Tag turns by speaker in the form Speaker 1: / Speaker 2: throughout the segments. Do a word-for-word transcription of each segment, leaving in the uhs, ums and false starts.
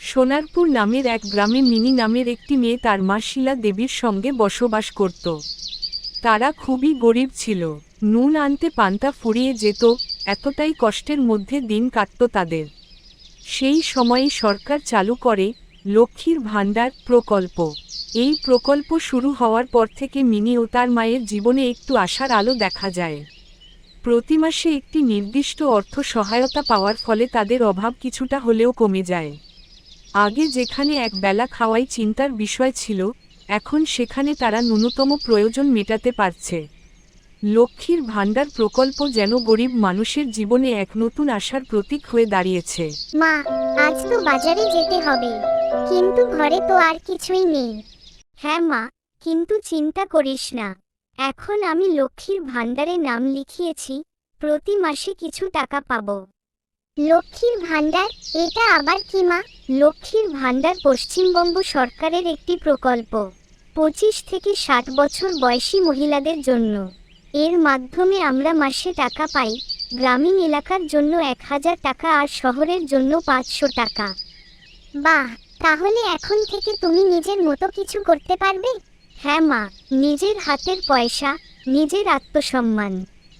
Speaker 1: সোনারপুর নামের এক গ্রামে মিনি নামের একটি মেয়ে তার মা শিলা দেবীর সঙ্গে বসবাস করত। তারা খুবই গরিব ছিল, নুন আনতে পান্তা ফুরিয়ে যেত, এতটাই কষ্টের মধ্যে দিন কাটত তাদের। সেই সময়েই সরকার চালু করে লক্ষ্মীর ভাণ্ডার প্রকল্প। এই প্রকল্প শুরু হওয়ার পর থেকে মিনি ও তার মায়ের জীবনে একটু আশার আলো দেখা যায়। প্রতি মাসে একটি নির্দিষ্ট অর্থ সহায়তা পাওয়ার ফলে তাদের অভাব কিছুটা হলেও কমে যায়। আগে যেখানে এক বেলা খাওয়াই চিন্তার বিষয় ছিল, এখন সেখানে তারা ন্যূনতম প্রয়োজন মেটাতে পারছে। লক্ষ্মীর ভাণ্ডার প্রকল্প যেন গরিব মানুষের জীবনে এক নতুন আশার প্রতীক হয়ে দাঁড়িয়েছে।
Speaker 2: মা, আজ তো বাজারে যেতে হবে, কিন্তু ঘরে তো আর কিছুই নেই। হ্যাঁ মা, কিন্তু চিন্তা করিস না, এখন আমি লক্ষ্মীর ভাণ্ডারে নাম লিখিয়েছি, প্রতি মাসে কিছু টাকা পাবো। লক্ষ্মীর ভাণ্ডার, এটা আবার কি মা? লক্ষ্মীর ভাণ্ডার পশ্চিমবঙ্গ সরকারের একটি প্রকল্প, পঁচিশ থেকে ষাট বছর বয়সী মহিলাদের জন্য। এর মাধ্যমে আমরা মাসে টাকা পাই, গ্রামীণ এলাকার জন্য এক হাজার টাকা আর শহরের জন্য পাঁচশো টাকা। বাহ, তাহলে এখন থেকে তুমি নিজের মতো কিছু করতে পারবে? হ্যাঁ মা, নিজের হাতের পয়সা, নিজের আত্মসম্মান।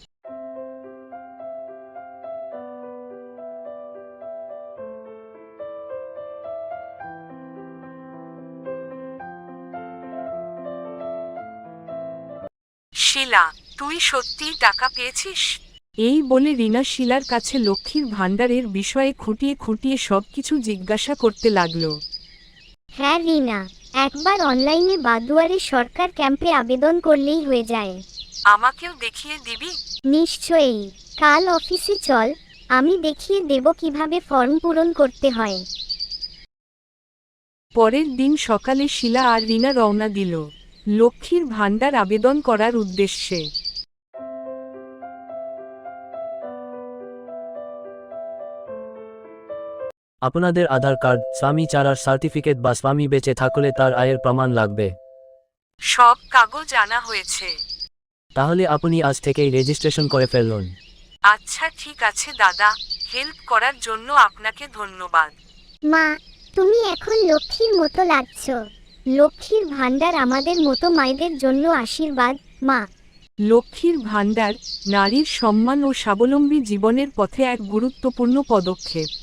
Speaker 1: শিলা, তুই সত্যিই টাকা পেয়েছিস? এই বলে রিনা শিলার কাছে লক্ষ্মীর ভাণ্ডারের বিষয়ে খুঁটিয়ে খুঁটিয়ে সবকিছু জিজ্ঞাসা করতে লাগল।
Speaker 2: হ্যাঁ রিনা, একবার অনলাইনে বা দুয়ারে সরকার ক্যাম্পে আবেদন করলেই হয়ে যায়।
Speaker 1: আমাকেও দেখিয়ে দিবি?
Speaker 2: নিশ্চয়ই, কাল অফিসে চল, আমি দেখিয়ে দেব কিভাবে ফর্ম পূরণ করতে হয়।
Speaker 1: পরের দিন সকালে শিলা আর রিনা রওনা দিল লক্ষ্মীর ভাণ্ডার আবেদন করার উদ্দেশ্যে।
Speaker 3: আপনাদের আধার কার্ড, স্বামী চারার সার্টিফিকেট বা স্বামী বেঁচে থাকলে তার আয়ের প্রমাণ লাগবে।
Speaker 1: সব কাগজ আনা হয়েছে।
Speaker 3: তাহলে আপনি আজ থেকেই রেজিস্ট্রেশন করে ফেলুন।
Speaker 1: আচ্ছা ঠিক আছে দাদা, হেল্প করার জন্য আপনাকে ধন্যবাদ।
Speaker 2: মা, তুমি এখন লক্ষ্মীর মতো লাগছো। লক্ষ্মীর ভাণ্ডার আমাদের মতো মায়েদের জন্য আশীর্বাদ। মা,
Speaker 1: লক্ষ্মীর ভাণ্ডার নারীর সম্মান ও স্বাবলম্বী জীবনের পথে এক গুরুত্বপূর্ণ পদক্ষেপ।